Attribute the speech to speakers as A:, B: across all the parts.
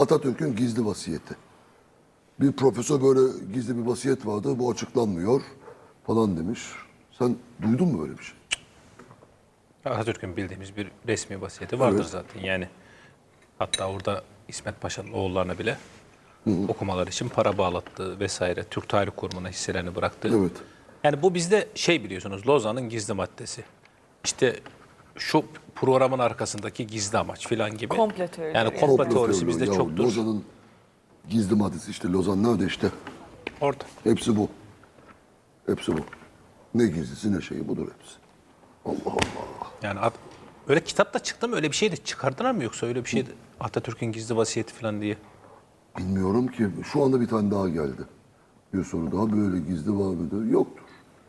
A: Atatürk'ün gizli vasiyeti. Bir profesör böyle gizli bir vasiyet vardı, bu açıklanmıyor falan demiş. Sen duydun mu böyle bir şey?
B: Atatürk'ün bildiğimiz bir resmi vasiyeti vardır
A: Evet.
B: zaten. Yani hatta orada İsmet Paşa'nın oğullarına bile okumalar için para bağlattı vesaire. Türk Tarih Kurumu'na hisselerini bıraktı.
A: Evet.
B: Yani bu bizde şey biliyorsunuz, Lozan'ın gizli maddesi. İşte şu programın arkasındaki gizli amaç filan gibi.
C: Komplo teorileri
B: Yani
C: yani.
B: komplo teorisi bizde
A: Ya,
B: çoktur.
A: Lozan'ın gizli maddesi işte Lozan nerede işte.
B: Orada.
A: Hepsi bu. Hepsi bu. Ne gizlisi ne şeyi budur hepsi. Allah Allah.
B: Yani öyle kitapta çıktı mı, öyle bir şey de çıkardılar mı, yoksa öyle bir şey de Atatürk'ün gizli vasiyeti falan diye?
A: Bilmiyorum ki. Şu anda bir tane daha geldi. Bir soru daha böyle gizli var mıdır? Yoktur.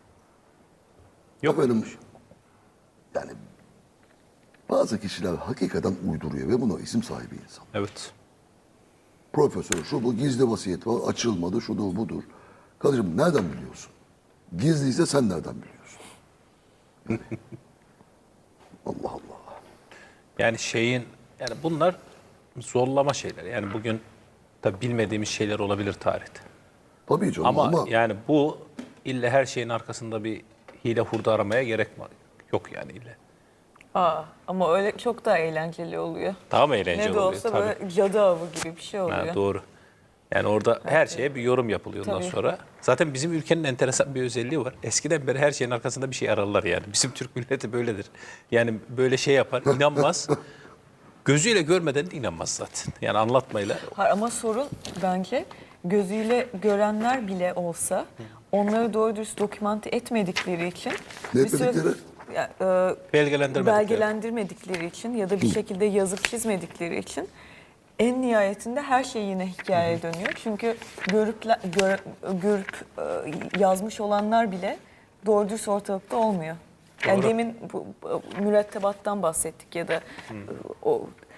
B: Yok.
A: Efendim, yani bazı kişiler hakikaten uyduruyor ve buna isim sahibi insan.
B: Evet.
A: Profesör şu bu gizli vasiyet var açılmadı şudur budur. Kardeşim nereden biliyorsun? Gizliyse sen nereden biliyorsun? Yani, Allah Allah.
B: Yani yani bunlar zorlama şeyler. Yani bugün tabii bilmediğimiz şeyler olabilir tarihte.
A: Tabii canım
B: Ama yani bu ille her şeyin arkasında bir hile hurda aramaya gerek yok yani ille.
C: Ama öyle çok daha eğlenceli oluyor.
B: Daha mı eğlenceli
C: Ne de
B: oluyor?
C: olsa
B: Tabii.
C: böyle cadı avı gibi bir şey oluyor.
B: Ha, doğru. Yani orada her şeye bir yorum yapılıyor ondan
C: Tabii.
B: sonra. Zaten bizim ülkenin enteresan bir özelliği var. Eskiden beri her şeyin arkasında bir şey ararlar yani. Bizim Türk milleti böyledir. Yani böyle şey yapar, inanmaz. Gözüyle görmeden de inanmaz zaten. Yani anlatmayla.
C: Hayır, ama sorun bence gözüyle görenler bile olsa onları doğru dürüst dokümante etmedikleri için
A: Ne
C: bir süre-
A: etmedikleri?
C: Ya, belgelendirmedikleri için ya da bir şekilde yazıp çizmedikleri için en nihayetinde her şey yine hikayeye dönüyor. Çünkü görüp yazmış olanlar bile doğru dürüst ortalıkta olmuyor. Yani
B: Doğru.
C: demin bu mürettebattan bahsettik ya da o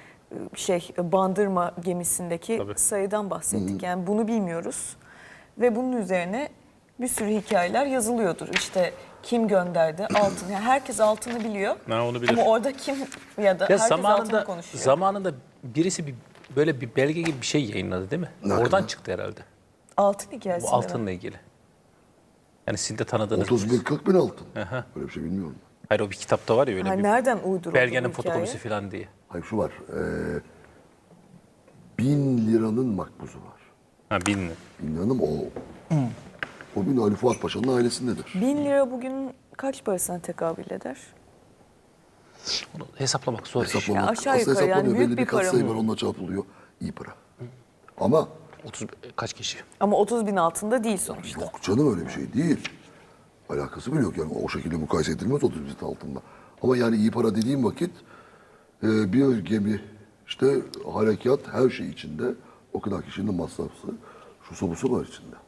C: Bandırma gemisindeki
B: Tabii.
C: sayıdan bahsettik. Yani bunu bilmiyoruz ve bunun üzerine bir sürü hikayeler yazılıyordur. İşte kim gönderdi altın. Yani herkes altını biliyor.
B: Ha, onu bilir.
C: Ama orada kim ya da
B: Ya
C: herkes altını konuşuyor.
B: zamanında birisi böyle bir belge gibi bir şey yayınladı değil mi?
A: Nerede?
B: Oradan çıktı herhalde.
C: Altın
B: Bu
C: hikayesi.
B: altınla ilgili. Yani sizin de tanıdığınız
A: 30 bin 40 bin altın.
B: Aha.
A: Böyle bir şey bilmiyorum.
B: Hayır, o bir kitapta var ya öyle bir
C: Nereden uyduruldu
B: belgenin
C: bu hikaye?
B: fotokopisi falan diye.
A: Hayır şu var. 1000 liranın makbuzu var.
B: Ha, 1000.
A: 1000 liranın o. O 1000 Ali Fuat Paşa'nın ailesindedir.
C: 1000 lira bugün kaç parasına tekabül eder?
B: Onu hesaplamak zor.
A: Hesaplamak.
C: Ya aşağı
A: Aslında
C: yukarı yani
A: hesaplanıyor.
C: büyük
A: Belli
C: bir
A: bir
C: para
A: katsayı
C: mı?
A: var onunla çarpılıyor. İyi para. Ama
B: 30 kaç kişi?
C: Ama 30 bin altında değil sonuçta.
A: yok canım öyle bir şey değil. Alakası bile yok yani o şekilde mukayese edilmez 30 bin altında. Ama yani iyi para dediğim vakit bir gemi işte harekat her şey içinde o kadar kişinin masrafı şu busu var içinde.